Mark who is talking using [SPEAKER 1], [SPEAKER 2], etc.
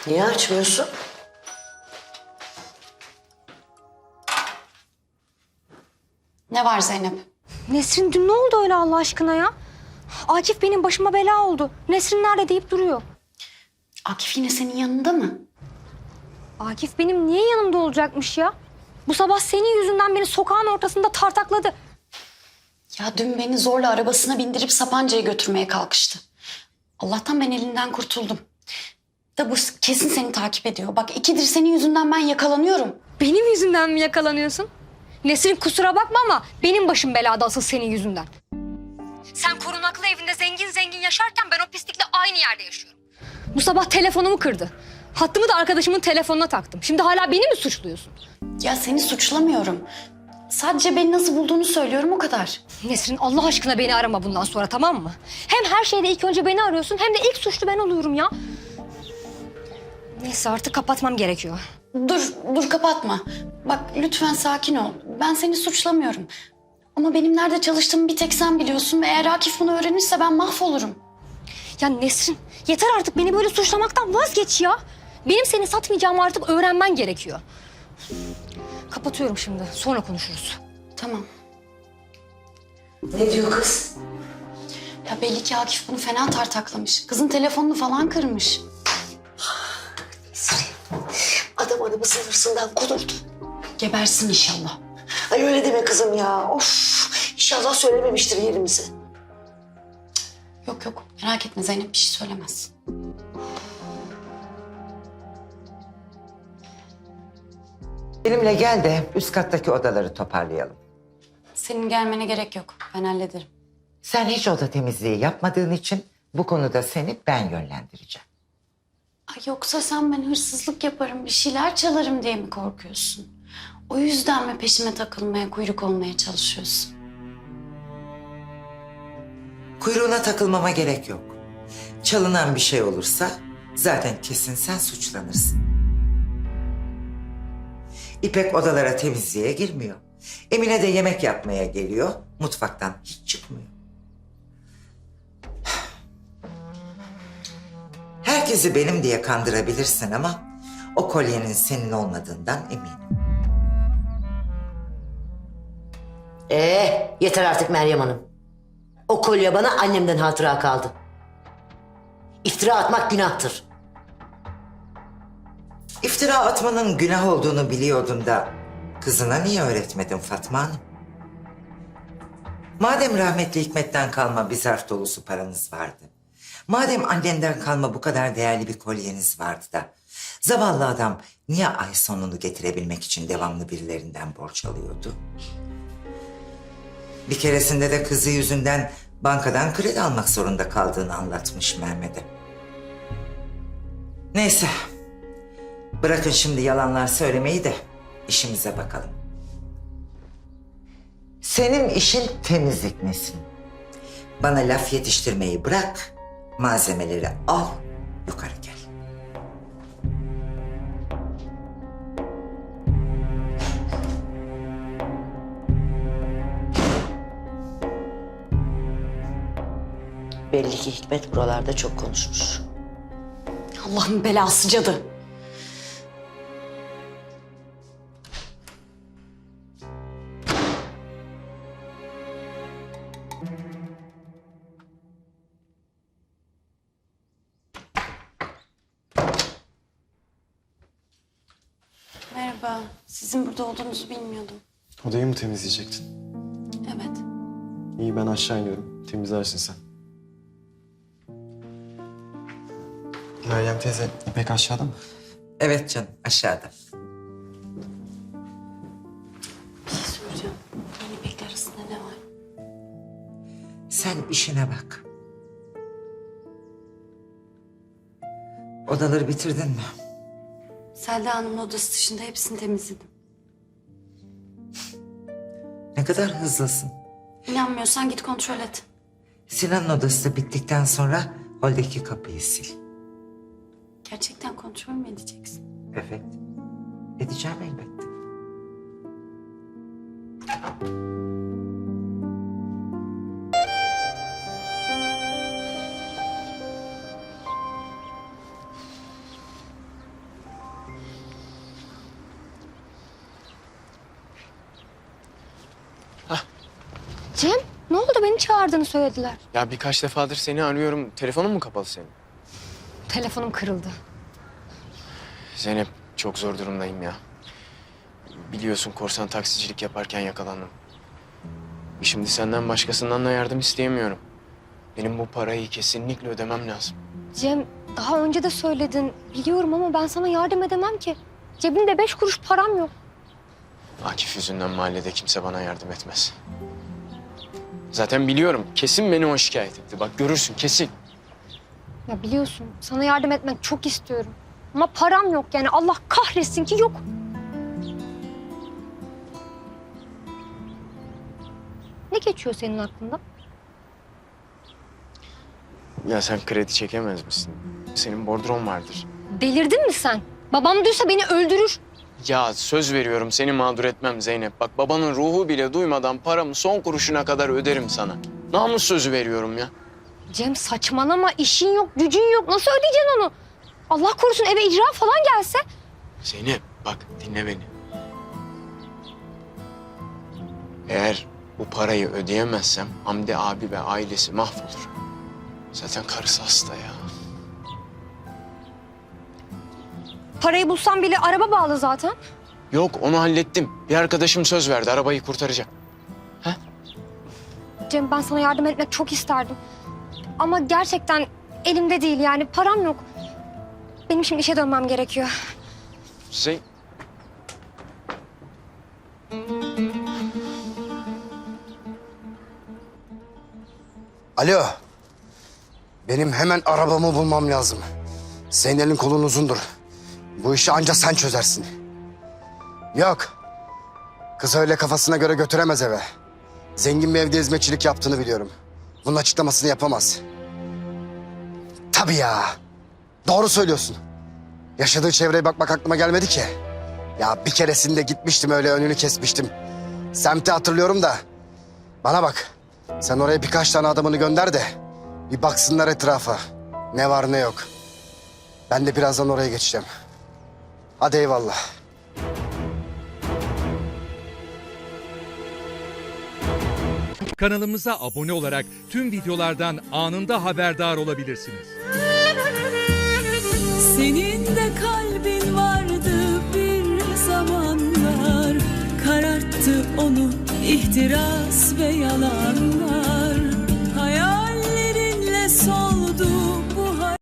[SPEAKER 1] Niye açmıyorsun?
[SPEAKER 2] Ne var Zeynep?
[SPEAKER 3] Nesrin dün ne oldu öyle Allah aşkına ya? Akif benim başıma bela oldu. Nesrin nerede deyip duruyor.
[SPEAKER 2] Akif yine senin yanında mı?
[SPEAKER 3] Akif benim niye yanımda olacakmış ya? Bu sabah senin yüzünden beni sokağın ortasında tartakladı.
[SPEAKER 2] Ya dün beni zorla arabasına bindirip Sapanca'ya götürmeye kalkıştı. Allah'tan ben elinden kurtuldum. Da bu kesin seni takip ediyor. Bak 2'dir senin yüzünden ben yakalanıyorum.
[SPEAKER 3] Benim yüzümden mi yakalanıyorsun? Nesrin kusura bakma ama benim başım belada asıl senin yüzünden. Sen korunaklı evinde zengin zengin yaşarken ben o pislikle aynı yerde yaşıyorum. Bu sabah telefonumu kırdı. Hattımı da arkadaşımın telefonuna taktım. Şimdi hala beni mi suçluyorsun?
[SPEAKER 2] Ya seni suçlamıyorum. Sadece beni nasıl bulduğunu söylüyorum o kadar.
[SPEAKER 3] Nesrin Allah aşkına beni arama bundan sonra, tamam mı? Hem her şeyde ilk önce beni arıyorsun hem de ilk suçlu ben oluyorum ya. Neyse artık kapatmam gerekiyor.
[SPEAKER 2] Dur kapatma. Bak lütfen sakin ol. Ben seni suçlamıyorum. Ama benim nerede çalıştığımı bir tek sen biliyorsun ve eğer Akif bunu öğrenirse ben mahvolurum.
[SPEAKER 3] Ya Nesrin yeter artık, beni böyle suçlamaktan vazgeç ya. Benim seni satmayacağımı artık öğrenmen gerekiyor. Kapatıyorum şimdi, sonra konuşuruz.
[SPEAKER 2] Tamam.
[SPEAKER 1] Ne diyor kız?
[SPEAKER 2] Ya belli ki Akif bunu fena tartaklamış. Kızın telefonunu falan kırmış.
[SPEAKER 1] Adam arabasının hırsından kudurdu.
[SPEAKER 2] Gebersin inşallah.
[SPEAKER 1] Ay öyle deme kızım ya. Of. İnşallah söylememiştir yerimizi.
[SPEAKER 2] Yok merak etme Zeynep bir şey söylemez.
[SPEAKER 4] Benimle gel de üst kattaki odaları toparlayalım.
[SPEAKER 2] Senin gelmene gerek yok. Ben hallederim.
[SPEAKER 4] Sen hiç oda temizliği yapmadığın için bu konuda seni ben yönlendireceğim.
[SPEAKER 2] Ay yoksa sen ben hırsızlık yaparım, bir şeyler çalarım diye mi korkuyorsun? O yüzden mi peşime takılmaya, kuyruk olmaya çalışıyorsun?
[SPEAKER 4] Kuyruğuna takılmama gerek yok. Çalınan bir şey olursa zaten kesin sen suçlanırsın. İpek odalara temizliğe girmiyor. Emine de yemek yapmaya geliyor. Mutfaktan hiç çıkmıyor. Herkesi benim diye kandırabilirsin ama o kolyenin senin olmadığından eminim.
[SPEAKER 1] Yeter artık Meryem Hanım. O kolye bana annemden hatıra kaldı. İftira atmak günahtır.
[SPEAKER 4] İftira atmanın günah olduğunu biliyordun da kızına niye öğretmedin Fatma Hanım? Madem rahmetli Hikmet'ten kalma bir zarf dolusu paranız vardı. Madem annenden kalma bu kadar değerli bir kolyeniz vardı da zavallı adam niye ay sonunu getirebilmek için devamlı birilerinden borç alıyordu? Bir keresinde de kızı yüzünden bankadan kredi almak zorunda kaldığını anlatmış Mehmet'e. Neyse. Bırakın şimdi yalanlar söylemeyi de işimize bakalım. Senin işin temizlik Nesin. Bana laf yetiştirmeyi bırak, malzemeleri al, yukarı gel.
[SPEAKER 1] Belli ki Hikmet buralarda çok konuşmuş.
[SPEAKER 2] Allah'ın belası cadı. Merhaba. Sizin burada olduğunuzu bilmiyordum.
[SPEAKER 5] Odayı mı temizleyecektin?
[SPEAKER 2] Evet.
[SPEAKER 5] İyi, ben aşağı iniyorum. Temizlersin sen. Meryem teyze, İpek aşağıda mı?
[SPEAKER 4] Evet canım, aşağıda.
[SPEAKER 2] Bir şey soracağım. Yeni İpek'le arasında ne var?
[SPEAKER 4] Sen işine bak. Odaları bitirdin mi?
[SPEAKER 2] Selda Hanım'ın odası dışında hepsini temizledim.
[SPEAKER 4] Ne kadar hızlısın.
[SPEAKER 2] İnanmıyorsan git kontrol et.
[SPEAKER 4] Sinan'ın odası da bittikten sonra holdeki kapıyı sil.
[SPEAKER 2] Gerçekten kontrol mü edeceksin?
[SPEAKER 4] Evet. Edeceğim elbette.
[SPEAKER 3] Cem ne oldu, beni çağırdığını söylediler.
[SPEAKER 5] Ya birkaç defadır seni arıyorum. Telefonun mu kapalı senin?
[SPEAKER 3] Telefonum kırıldı.
[SPEAKER 5] Zeynep, çok zor durumdayım ya. Biliyorsun korsan taksicilik yaparken yakalandım. Şimdi senden başkasından da yardım isteyemiyorum. Benim bu parayı kesinlikle ödemem lazım.
[SPEAKER 3] Cem daha önce de söyledin biliyorum ama ben sana yardım edemem ki. Cebimde 5 kuruş param yok.
[SPEAKER 5] Akif yüzünden mahallede kimse bana yardım etmez. Zaten biliyorum, kesin beni o şikayet etti. Bak görürsün, kesin.
[SPEAKER 3] Ya biliyorsun sana yardım etmek çok istiyorum. Ama param yok yani, Allah kahretsin ki yok. Ne geçiyor senin aklında?
[SPEAKER 5] Ya sen kredi çekemez misin? Senin bordron vardır.
[SPEAKER 3] Delirdin mi sen? Babam duysa beni öldürür.
[SPEAKER 5] Ya söz veriyorum, seni mağdur etmem Zeynep. Bak babanın ruhu bile duymadan paramı son kuruşuna kadar öderim sana. Namus sözü veriyorum ya.
[SPEAKER 3] Cem saçmalama, işin yok, gücün yok. Nasıl ödeyeceksin onu? Allah korusun eve icra falan gelse.
[SPEAKER 5] Zeynep bak dinle beni. Eğer bu parayı ödeyemezsem Hamdi abi ve ailesi mahvolur. Zaten karısı hasta ya.
[SPEAKER 3] Parayı bulsam bile araba bağlı zaten.
[SPEAKER 5] Yok onu hallettim. Bir arkadaşım söz verdi arabayı kurtaracak.
[SPEAKER 3] Cem ben sana yardım etmek çok isterdim. Ama gerçekten elimde değil yani, param yok. Benim şimdi işe dönmem gerekiyor.
[SPEAKER 6] Alo. Benim hemen arabamı bulmam lazım. Senin elin kolun uzundur. Bu işi ancak sen çözersin. Yok. Kız öyle kafasına göre götüremez eve. Zengin bir evde hizmetçilik yaptığını biliyorum. Bunun açıklamasını yapamaz. Tabii ya. Doğru söylüyorsun. Yaşadığı çevreye bakmak aklıma gelmedi ki. Ya bir keresinde gitmiştim öyle önünü kesmiştim. Semti hatırlıyorum da. Bana bak. Sen oraya birkaç tane adamını gönder de bir baksınlar etrafa. Ne var ne yok. Ben de birazdan oraya geçeceğim. Hadi eyvallah.
[SPEAKER 7] Kanalımıza abone olarak tüm videolardan anında haberdar olabilirsiniz.
[SPEAKER 8] Senin de kalbin vardı bir zamanlar, kararttı onu ihtiras ve yalanlar.